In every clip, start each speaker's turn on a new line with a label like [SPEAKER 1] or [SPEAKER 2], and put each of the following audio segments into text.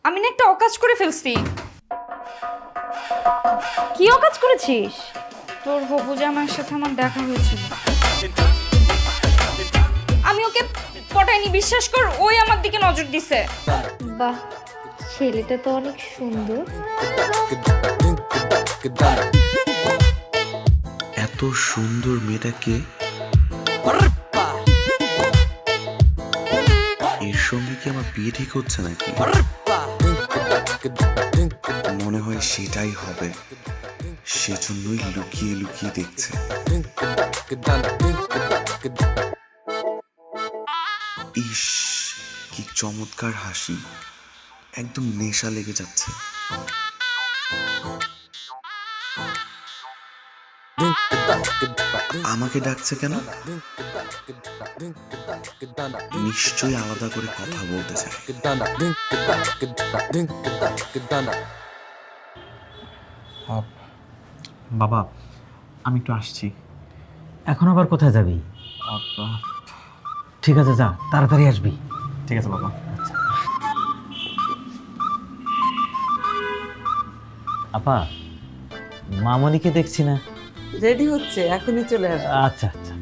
[SPEAKER 1] আমি না একটা অকাজ করে ফেলছি।
[SPEAKER 2] কি অকাজ করেছিস?
[SPEAKER 1] তোর হবু জামার সাথে আমার দেখা হয়েছিল। আমি ওকে পটাইনি, বিশ্বাস কর, ওই আমার দিকে নজর দিছে।
[SPEAKER 2] বাহ, ছেলেটা তো অনেক সুন্দর।
[SPEAKER 3] এত সুন্দর মেয়েটাকে এর সঙ্গে কি আমার বিয়ে ঠিক হচ্ছে নাকি? মনে হয় সেটাই হবে, সেজন্যই লুকিয়ে লুকিয়ে দেখছে। ইস, কি চমৎকার হাসি, একদম নেশা লেগে যাচ্ছে। আমাকে ডাকছে কেন? নিশ্চয়ই আলাদা করে কথা বলতে চায়।
[SPEAKER 4] বাবা, আমি একটু আসছি।
[SPEAKER 5] এখন আবার কোথায় যাবি?
[SPEAKER 4] আব্বা,
[SPEAKER 5] ঠিক আছে, যা, তাড়াতাড়ি আসবি।
[SPEAKER 4] ঠিক আছে বাবা।
[SPEAKER 5] আপা, মামনিকে দেখছি না।
[SPEAKER 6] রেডি হচ্ছে, এখনই চলে আসবে।
[SPEAKER 5] আচ্ছা আচ্ছা।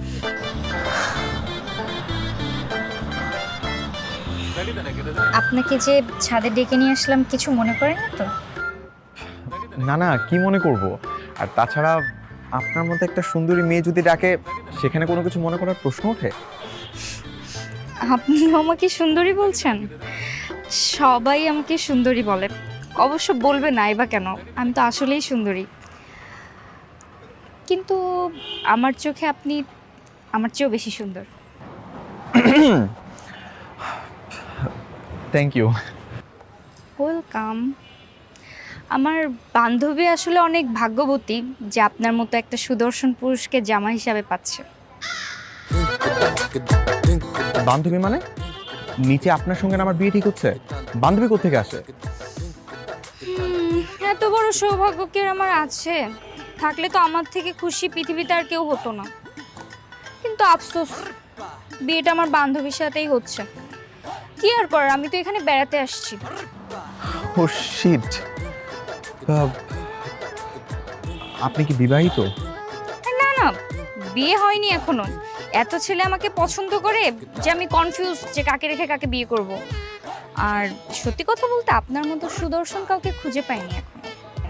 [SPEAKER 1] আপনাকে যে ছাদে ডেকে নিয়ে আসলাম, কিছু মনে করেন না তো?
[SPEAKER 4] না না, কি মনে করব? আর তাছাড়া আপনার মতো একটা সুন্দরী মেয়ে যদি ডাকে, সেখানে কোনো কিছু মনে করার প্রশ্ন ওঠে?
[SPEAKER 1] আপনি আমাকে সুন্দরী বলছেন? সবাই আমাকে সুন্দরী বলে, অবশ্য বলবে নাই বা কেন, আমি তো আসলেই সুন্দরী। কিন্তু আমার চোখে আপনি আমার চেয়েও বেশি সুন্দর।
[SPEAKER 4] Thank you.
[SPEAKER 1] ওয়েলকাম। আমার বান্ধবী আসলে অনেক ভাগ্যবতী যে আপনার মতো একটা সুদর্শন পুরুষকে জামা হিসাবে পাচ্ছে।
[SPEAKER 4] বান্ধবী মানে? নিচে আপনার সঙ্গে না আমার বিয়ে ঠিক হচ্ছে, বান্ধবী কোত্থেকে আসে?
[SPEAKER 1] এত বড় সৌভাগ্য কি আর আমার আছে? থাকলে তো আমার থেকে খুশি পৃথিবীতে আর কেউ হতো না। কিন্তু আফসোস, বিয়েটা আমার বান্ধবীর সাথেই হচ্ছে। কি আর করার, আমি তো এখানে বেড়াতে আসছি।
[SPEAKER 4] Oh shit. আপনি কি বিবাহিত?
[SPEAKER 1] না না, বিয়ে হয়নি এখনো। এত ছেলে আমাকে পছন্দ করে যে আমি কনফিউজ যে কাকে রেখে কাকে বিয়ে করব। আর সত্যি কথা বলতে, আপনার মতো সুদর্শন কাউকে খুঁজে পাইনি এখন।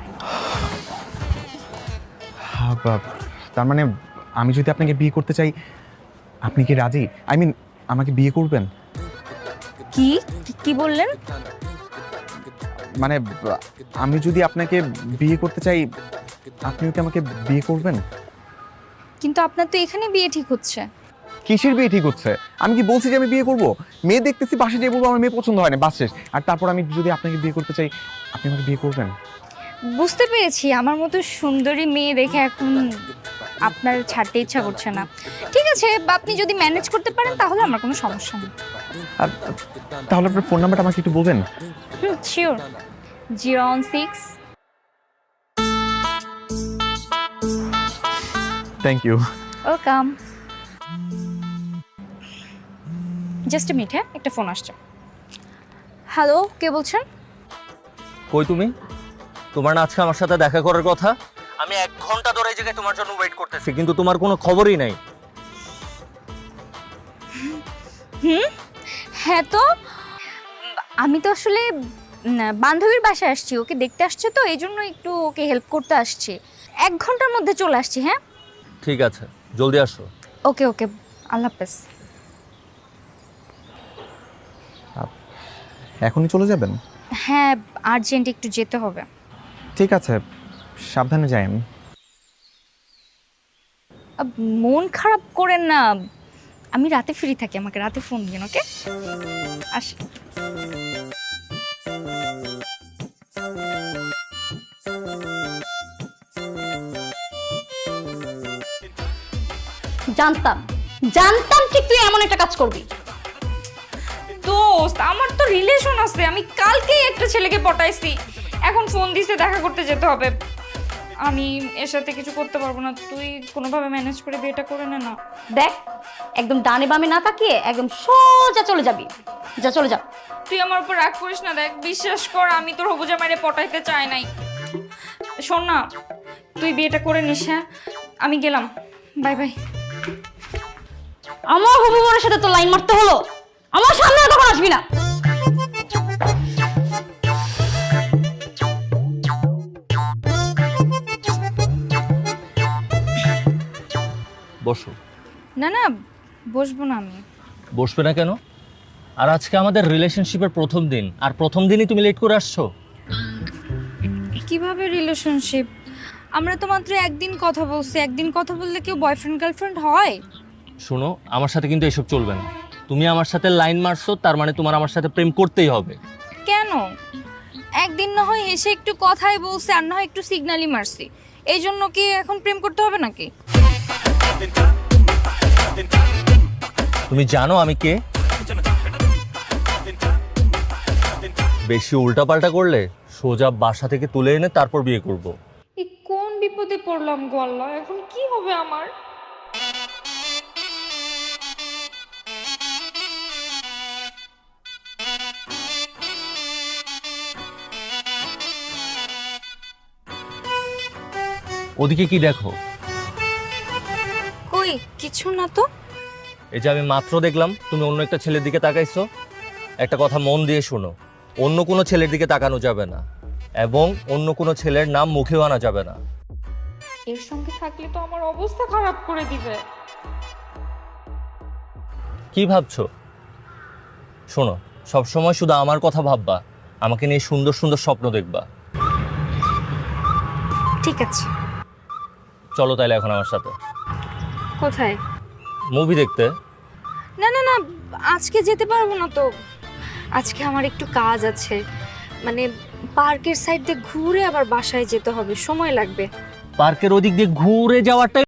[SPEAKER 4] তার মানে আমি যদি আপনাকে বিয়ে করতে চাই, আপনি কি রাজি? আই মিন, আমাকে বিয়ে করবেন?
[SPEAKER 1] কি কি বললেন?
[SPEAKER 4] মানে আমি যদি আপনাকে বিয়ে করতে চাই, আপনিও কি আমাকে বিয়ে করবেন?
[SPEAKER 1] কিন্তু আপনার তো এখানে বিয়ে ঠিক হচ্ছে।
[SPEAKER 4] কিসের বিয়ে ঠিক হচ্ছে? আমি কি বলছি যে আমি বিয়ে করব? মেয়ে দেখতেছি, পাশে যেয়ে বলবো আমার মেয়ে পছন্দ হয় না, বাস শেষ। আর তারপর আমি যদি আপনাকে বিয়ে করতে চাই, আপনি আমাকে বিয়ে করবেন?
[SPEAKER 1] বুঝতে পেরেছি, আমার মতো সুন্দরী মেয়ে দেখে এখন আপনার ছাড়তে ইচ্ছা করছে না। ঠিক আছে, আপনি যদি ম্যানেজ করতে পারেন তাহলে আমার কোনো সমস্যা নেই।
[SPEAKER 4] আর তাহলে আপনার ফোন নাম্বারটা আমাকে একটু বলবেন?
[SPEAKER 1] Sure. 016।
[SPEAKER 4] Thank you.
[SPEAKER 1] Welcome. Just a minute, হ্যাঁ, একটা ফোন আসছে। হ্যালো, কে বলছেন?
[SPEAKER 5] কই তুমি? তোমার না আজকে আমার সাথে দেখা করার কথা? আমি 1 ঘন্টা ধরে এই জায়গায় তোমার জন্য ওয়েট করতেছি, কিন্তু তোমার কোনো খবরই নাই।
[SPEAKER 1] হ্যাঁ তো, আমি তো আসলে বান্ধবীর বাসায় আসছি, ওকে দেখতে আসছে তো, এই জন্য একটু ওকে হেল্প করতে আসছি। 1 ঘন্টার মধ্যে চলে আসছি। হ্যাঁ,
[SPEAKER 5] ঠিক আছে, জলদি আসো।
[SPEAKER 1] ওকে ওকে, আল্লাহ হাফেজ।
[SPEAKER 4] এখনই চলে যাবেন?
[SPEAKER 1] হ্যাঁ, আর্জেন্ট একটু যেতে হবে।
[SPEAKER 4] ঠিক আছে, সাবধানে যায়েন।
[SPEAKER 1] মন খারাপ করেন না, আমি রাতে ফ্রি থাকি, আমাকে রাতে ফোন দিন। ওকে, আসি।
[SPEAKER 2] জানতাম জানতাম ঠিক তুই এমন একটা কাজ করবি।
[SPEAKER 1] দোস্ত, আমার তো রিলেশন আছে, আমি কালকেই একটা ছেলেকে পটাইছি, এখন ফোন দিছে দেখা করতে যেতে হবে। আমি এর সাথে কিছু করতে পারবো না, তুই কোনোভাবে ম্যানেজ করে বিয়েটা করে নে না।
[SPEAKER 7] দেখ, একদম ডানে বামে না তাকিয়ে একদম সোজা চলে যাবি। যা, চলে যা।
[SPEAKER 1] তুই আমার উপর রাগ করিস না, দেখ বিশ্বাস কর আমি তোর হবু জামাইরে পটাইতে চাই নাই। শোন না, তুই বিয়েটা করে নিস। হ্যাঁ, আমি গেলাম, বাই বাই।
[SPEAKER 7] আমার হবু বোনের সাথে তো লাইন মারতে হলো, আমার সামনে তখন আসবি না।
[SPEAKER 5] বসো।
[SPEAKER 1] না না, বসবো না আমি।
[SPEAKER 5] বসবে না কেন? আর আজকে আমাদের রিলেশনশিপের প্রথম দিন, আর প্রথম দিনই তুমি লেট করে আসছো।
[SPEAKER 1] কিভাবে রিলেশনশিপ? আমরা তো মাত্র একদিন কথা বলছি, একদিন কথা বললে কেউ বয়ফ্রেন্ড গার্লফ্রেন্ড হয়?
[SPEAKER 5] শোনো, আমার সাথে কিন্তু এসব চলবে না। তুমি আমার সাথে লাইন মারছো, তার মানে তোমার আমার সাথে প্রেম করতেই হবে।
[SPEAKER 1] কেন? একদিন না হয় এসে একটু কথাই বলছে, আর না হয় একটু সিগন্যালই মারছি, এই জন্য কি এখন প্রেম করতে হবে নাকি?
[SPEAKER 5] তুমি জানো আমি কে? বেশি উল্টাপাল্টা করলে সোজা বাসা থেকে তুলে এনে তারপর বিয়ে করব।
[SPEAKER 1] এই কোন বিপদে পড়লাম গো আল্লাহ, এখন কি হবে আমার?
[SPEAKER 5] ওদিকে কি দেখো?
[SPEAKER 1] কই কিছু না তো।
[SPEAKER 5] এই যে আমি মাত্র দেখলাম তুমি অন্য একটা ছেলের দিকে তাকাইছো। একটা কথা মন দিয়ে শোনো, অন্য কোনো ছেলের দিকে তাকানো যাবে না, এবং অন্য কোনো ছেলের নাম মুখেও আনা যাবে না।
[SPEAKER 1] এর সঙ্গে থাকলে তো আমার অবস্থা খারাপ করে দিবে।
[SPEAKER 5] কি ভাবছো? শোনো, সবসময় শুধু আমার কথা ভাববা, আমাকে নিয়ে সুন্দর সুন্দর স্বপ্ন দেখবা।
[SPEAKER 1] ঠিক আছে,
[SPEAKER 5] চলো তাইলে এখন আমার সাথে
[SPEAKER 1] কোথায়?
[SPEAKER 5] মুভি দেখতে।
[SPEAKER 1] না না না, আজকে যেতে পারবো না তো, আজকে আমার একটু কাজ আছে, মানে পার্কের সাইড দিয়ে ঘুরে আবার বাসায় যেতে হবে, সময় লাগবে।
[SPEAKER 5] পার্কের ওদিক দিয়ে ঘুরে যাওয়াটা